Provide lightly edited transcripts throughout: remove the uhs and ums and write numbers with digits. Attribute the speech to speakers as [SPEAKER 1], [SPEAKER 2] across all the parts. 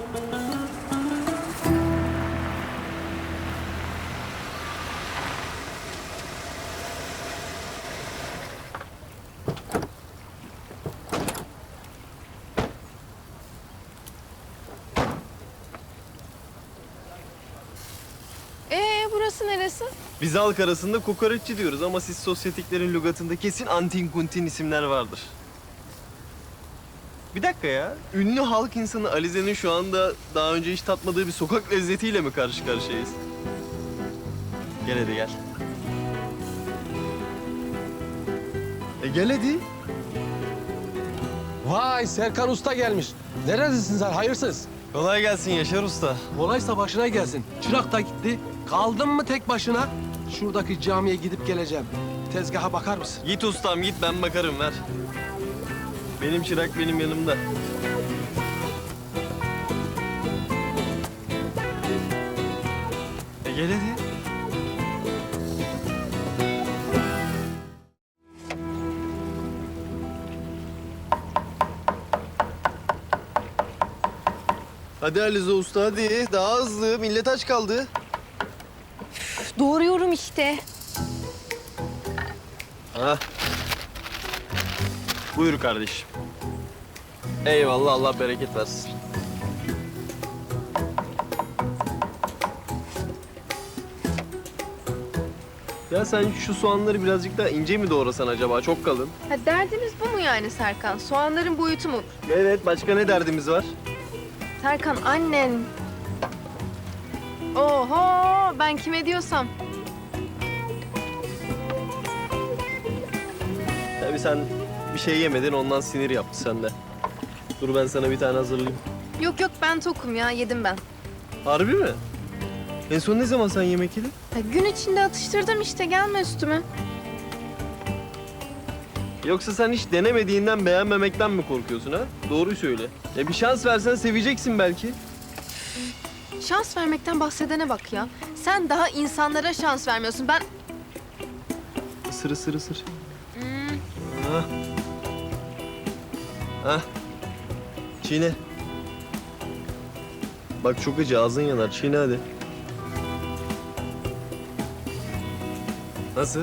[SPEAKER 1] Burası neresi?
[SPEAKER 2] Biz halk arasında kokoreççi diyoruz ama siz sosyetiklerin lügatında kesin antin kuntin isimler vardır. Bir dakika ya. Ünlü halk insanı Alize'nin şu anda daha önce hiç tatmadığı bir sokak lezzetiyle mi karşı karşıyayız? Gel hadi gel. Gel hadi.
[SPEAKER 3] Vay Serkan Usta gelmiş. Neredesin sen hayırsız?
[SPEAKER 2] Kolay gelsin Yaşar Usta.
[SPEAKER 3] Kolaysa başına gelsin. Çırak da gitti. Kaldın mı tek başına? Şuradaki camiye gidip geleceğim. Tezgaha bakar mısın?
[SPEAKER 2] Git ustam git ben bakarım ver. Benim çırak benim yanımda. Gel hadi. Hadi Alize Usta hadi. Daha hızlı. Millet aç kaldı.
[SPEAKER 1] Doğruyorum işte.
[SPEAKER 2] Ha. Buyur kardeşim. Eyvallah Allah bereket versin. Ya sen şu soğanları birazcık daha ince mi doğrasan acaba? Çok kalın.
[SPEAKER 1] Ha, derdimiz bu mu yani Serkan? Soğanların boyutu mu?
[SPEAKER 2] Evet, başka ne derdimiz var?
[SPEAKER 1] Serkan annen. Oho ben kime diyorsam.
[SPEAKER 2] Tabii sen bir şey yemedin, ondan sinir yaptı sende. Dur ben sana bir tane hazırlayayım.
[SPEAKER 1] Yok ben tokum ya yedim ben.
[SPEAKER 2] Harbi mi? En son ne zaman sen yemek yedin?
[SPEAKER 1] Ya, gün içinde atıştırdım işte gelme üstüme.
[SPEAKER 2] Yoksa sen hiç denemediğinden beğenmemekten mi korkuyorsun ha? Doğruyu söyle. Ya bir şans versen seveceksin belki.
[SPEAKER 1] Şans vermekten bahsedene bak ya. Sen daha insanlara şans vermiyorsun. Ben...
[SPEAKER 2] Isır ısır ısır.
[SPEAKER 1] Hmm,
[SPEAKER 2] Hah. Hah. Çiğne. Bak çok acı, ağzın yanar. Çiğne hadi. Nasıl?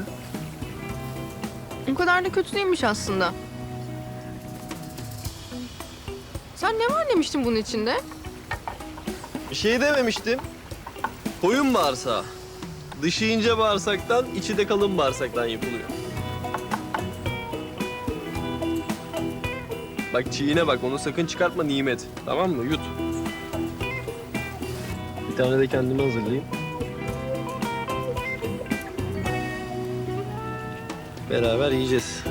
[SPEAKER 1] o kadar da kötü değilmiş aslında. Sen ne var demiştin bunun içinde?
[SPEAKER 2] Bir şey dememiştim. Koyun bağırsağı. Dışı ince bağırsaktan, içi de kalın bağırsaktan yapılıyor. Bak çiğne bak, onu sakın çıkartma nimet. Tamam mı? Yut. Bir tane de kendime hazırlayayım. Beraber yiyeceğiz.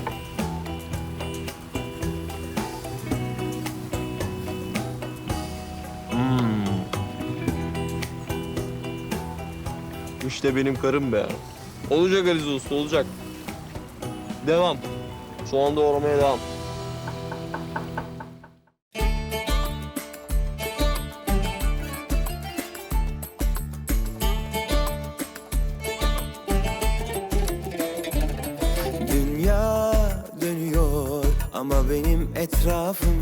[SPEAKER 2] İşte benim karım be. Olacak Alize Usta, olacak. Devam. Soğan doğramaya devam.
[SPEAKER 4] Dünya dönüyor ama benim etrafım